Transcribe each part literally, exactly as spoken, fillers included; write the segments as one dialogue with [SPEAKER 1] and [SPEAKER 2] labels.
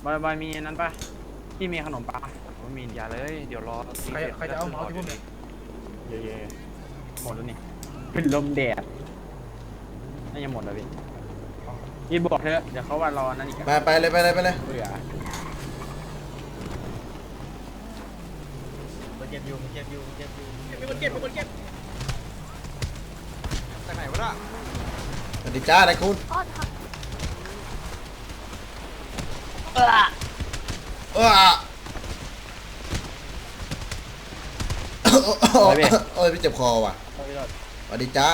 [SPEAKER 1] บอยบอยมีนั้นปะพี่มีขนมปะผมมีอย่าเลยเดี๋ยวรอ
[SPEAKER 2] ใครใครจะเอาเมาส์ที่พวกนี้
[SPEAKER 1] เย่ๆหมดแล้วนี่เป็นลมแดดน่าจะหมดแล้วพี่พี่บอกเถอะเดี๋ยวเขาว่ารอนั่นอีก
[SPEAKER 3] ไปไปเลยไปเลยไปเลย
[SPEAKER 1] เบื่อ
[SPEAKER 2] มันเก็บอยู่มันเก็บอยู่มันเก็บอยู่
[SPEAKER 4] มีคนเก็บมีคนเก็บจากไหนวะล่ะ
[SPEAKER 3] สวัสดีจ้านายคุณเออเออโอ้ยพี่เจ็บคอว่ะสวัสดีจ้า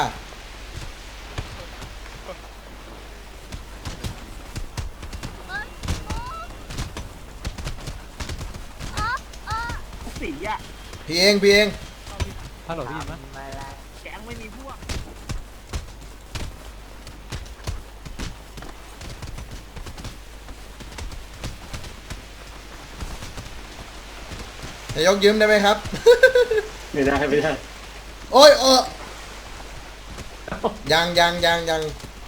[SPEAKER 1] สีอ่ะ
[SPEAKER 3] พี่เองพี่เอง
[SPEAKER 2] ฮัลโหลพี่ยินไหม
[SPEAKER 1] แกงไม่มีพวก
[SPEAKER 3] นายกยืมได้ไหมครับ
[SPEAKER 5] ไม่ได้ไม่ได้
[SPEAKER 3] โอ้ยเออยังยังยังยัง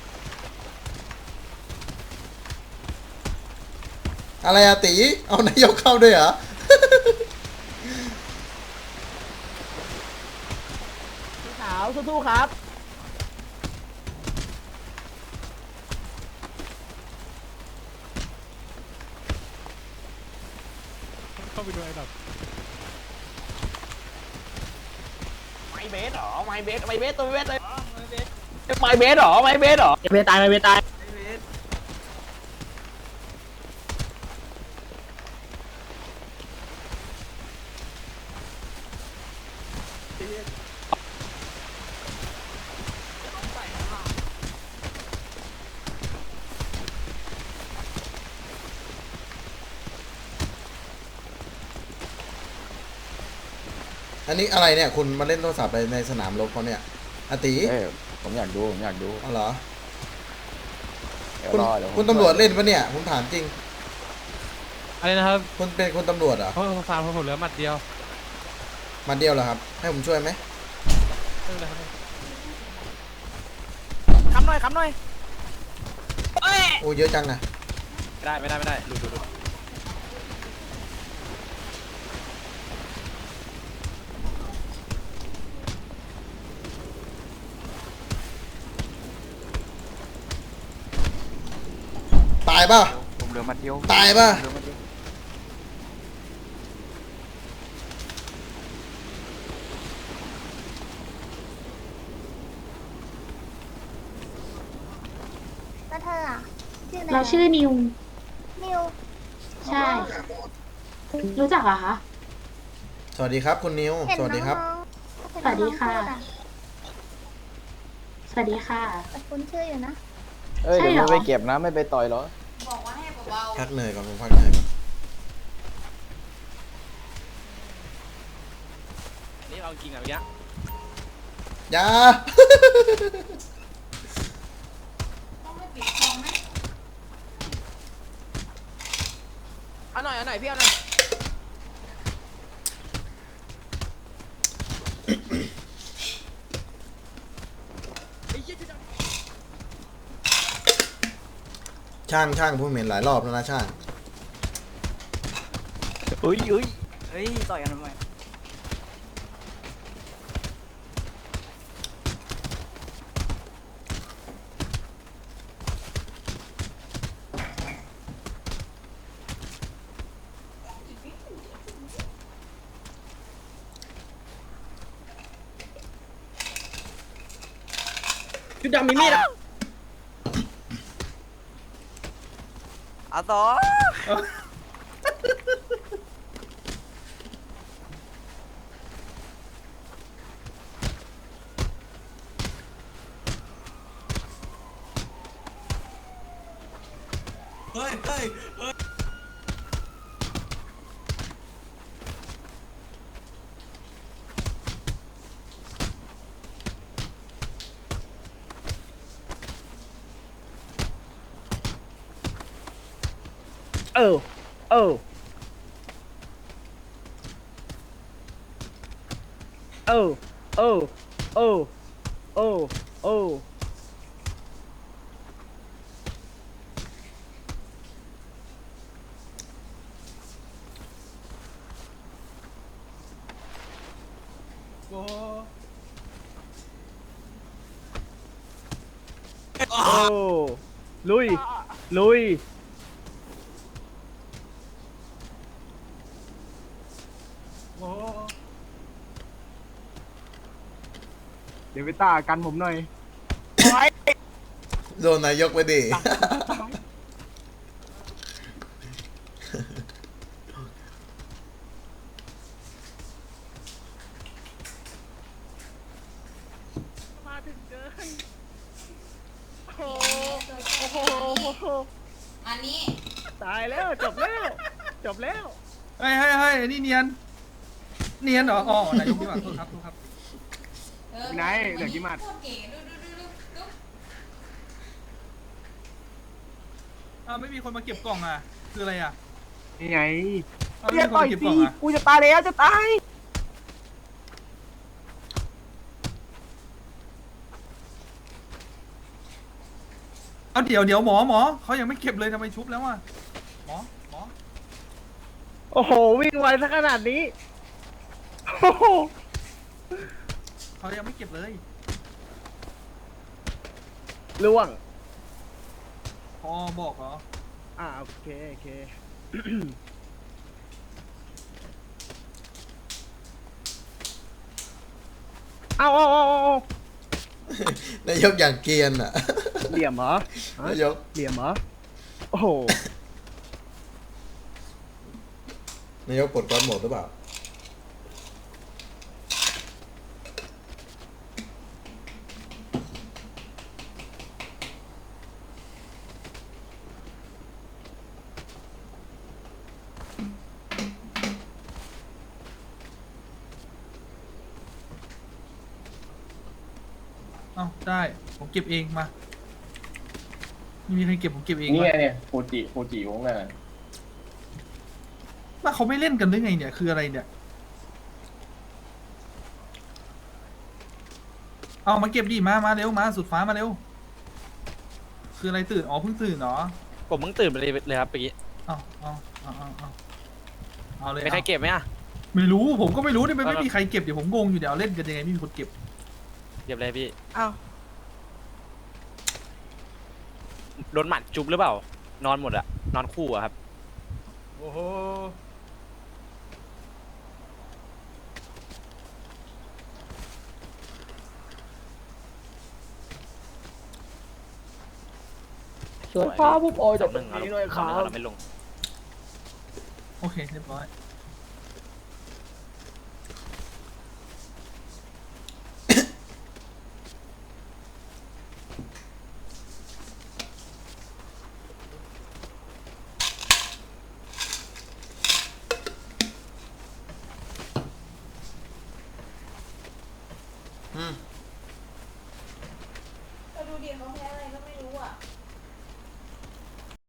[SPEAKER 3] อะไรอะตีเอานายกเข้าด้วยเหรอ
[SPEAKER 1] สาวสู้ๆครับ
[SPEAKER 2] เข้าไปดูไอ้ดับ
[SPEAKER 1] ไมเบสหรอไมเบสไมเบสตัวเบสเลยไมเบสไมเบสหรอไมเบสหรอไมเบสตายไมเบสตาย
[SPEAKER 3] อันนี้อะไรเนี่ยคุณมาเล่นโทรศัพท์ในสนามรบเขาเนี่ยอาติ
[SPEAKER 6] เอ้ยผมอยากดูผมอยากดู
[SPEAKER 3] อ๋อเหรอ
[SPEAKER 6] เดี๋ยว
[SPEAKER 3] คุณ
[SPEAKER 6] รอเดี๋ยวผม
[SPEAKER 3] คุณตำรวจเล่นปะเนี่ยผมถามจริง
[SPEAKER 2] อะไรนะครับ
[SPEAKER 3] คุณเป็นคุณตำรวจเหรอ
[SPEAKER 2] เพราะฟาร์มผมเหลือหมัดเดียว
[SPEAKER 3] มาเดียวเหรอครับให้ผมช่วยไหม
[SPEAKER 2] ไม่เป็นไรครับ
[SPEAKER 1] คำหน่อยคำหน่อยเอ้ย
[SPEAKER 3] โอ้เยอะจังอะ
[SPEAKER 1] ไม่ได้ไม่ได้ไม่ได้ดูดูดู
[SPEAKER 3] ตายป่ะ
[SPEAKER 6] ผมเหลือหมัดเดียว
[SPEAKER 3] ตายป่ะ
[SPEAKER 6] เหลือหมัดเดียว
[SPEAKER 7] แล้วเธออ่ะชื่ออะไร
[SPEAKER 8] เราชื่อนิว
[SPEAKER 7] นิว
[SPEAKER 8] ใช่ รู้จักเหรอคะ
[SPEAKER 3] สวัสดีครับคุณนิว
[SPEAKER 7] เห็น
[SPEAKER 3] สวัสดีครับ
[SPEAKER 7] น้องๆเห็น
[SPEAKER 8] สวัสดีค่ะ
[SPEAKER 7] น้องๆพูอ
[SPEAKER 8] สวัสดีค่ะ
[SPEAKER 7] แต่คุณชื่ออยู่นะ
[SPEAKER 6] เอ้ย
[SPEAKER 8] ใช่
[SPEAKER 6] เดี๋ยว
[SPEAKER 8] เหรอ
[SPEAKER 6] ไม่ไปเก็บนะไม่ไปต่อยเหรอ
[SPEAKER 3] พักเหนื่อยก่อนผมพักเหนื่อยก่อน
[SPEAKER 1] นี่เอาจริงอ่ะเมื่อกี้
[SPEAKER 3] อยา
[SPEAKER 1] เอาหน่อยเอาหน่อยพี่เอาหน่อย
[SPEAKER 3] ช่างช่างผมเห็นหลายรอบแล้วนะช่าง
[SPEAKER 6] เอ้ยเอ้ย
[SPEAKER 1] เฮ้ยต่อยกันทำไม
[SPEAKER 4] ชุดดำมีมีดอ่ะ
[SPEAKER 1] อาต่อ
[SPEAKER 4] เฮ้ยเฮ้ยเฮ้ย
[SPEAKER 1] เออเออเออเออเออเออเออโอ้ลุยลุยเดี๋ยวไปตากันผมหน่อย
[SPEAKER 3] โดนนายกไปดิ
[SPEAKER 1] มาถึงเกินโอ้โห
[SPEAKER 9] อันนี้
[SPEAKER 1] ตายแล้วจบแล้วจบแล้ว
[SPEAKER 10] เฮ้ยเฮ้ยเฮ้ยนี่เนียน เนียนเหรอ อ๋อนายกพี่ว่าโทษครับโทษครับ
[SPEAKER 9] เออ
[SPEAKER 1] ไหนเหลือกี่หมัด
[SPEAKER 9] โคตรเก๋ดูดูดูดูดู
[SPEAKER 10] อ้าวไม่มีคนมาเก็บกล่องอ่ะ คืออะไรอ่ะ
[SPEAKER 1] นี่ไง
[SPEAKER 10] อ้าวไม่
[SPEAKER 1] เรีย
[SPEAKER 10] มี
[SPEAKER 1] ก
[SPEAKER 10] คน
[SPEAKER 1] ต่อย
[SPEAKER 10] มาเก็บก
[SPEAKER 1] สิ
[SPEAKER 10] ล่องอ่ะ
[SPEAKER 1] กูจะตายแล้วจะตาย
[SPEAKER 10] เอาเดี๋ยวเดี๋ยวหมอหมอเขายังไม่เก็บเลยทำไมชุบแล้วอ่ะ หมอหมอ
[SPEAKER 1] โอ้โหวิ่งไวซะขนาดนี้โอ้โห
[SPEAKER 10] เขายังไม่เก็บเลย
[SPEAKER 1] ล่วง
[SPEAKER 10] พอบอกเหรอ
[SPEAKER 1] อ่าโอเคโอเค เอาเอาเอาเอา
[SPEAKER 3] นายกอย่างเกรียนอ่ะ
[SPEAKER 1] เหลี่ยมเหรอฮะ
[SPEAKER 3] นายก
[SPEAKER 1] เหลี่ยมเหรอโอ้โห
[SPEAKER 3] นายกปลดก้อนหมดหรือเปล่า
[SPEAKER 10] เอ้าได้ ผมเก็บเองมา ไม่มีใครเก็บผมเก็บเอง
[SPEAKER 5] นี่
[SPEAKER 10] มา
[SPEAKER 5] ไงเนี่ยฟูจิฟูจิวงน่ะ
[SPEAKER 10] ว่าเขาไม่เล่นกันหรือไงเนี่ย คืออะไรเนี่ย เอามาเก็บดิมา มาเร็ว มาสุดฟ้ามาเร็ว คืออะไรตื่น อ๋อเพิ่งตื่นเหรอ
[SPEAKER 6] ผมเพิ่งตื่นไปเลยเลยครับเมื่อกี้
[SPEAKER 10] เอาเอาเอาเอาเอาเอาเลย
[SPEAKER 6] มีใครเก็บไหมอ่ะ
[SPEAKER 10] ไม่รู้ ผมก็ไม่รู้นี่ไม่
[SPEAKER 6] เอา
[SPEAKER 10] ไม่มีใครเก็บ เดี๋ยวผมงงอยู่เดี๋ยวเอาเล่นกันยังไงไม่มีคนเก็บ
[SPEAKER 6] เก็บเลยพี่
[SPEAKER 1] อ้าว
[SPEAKER 6] โดนหมัดจุบหรือเปล่า นอนหมดอะนอนคู่อะครับ
[SPEAKER 1] โอ้โห
[SPEAKER 6] ส่วนฟ้าผู้ปอยจากตรงนี้เลยครับเราไม่ลง
[SPEAKER 10] โอเค เรียบร้อย
[SPEAKER 3] อืม
[SPEAKER 9] ก็ดูดิเขาแพ้อะไรก็ไม่รู้อ่ะ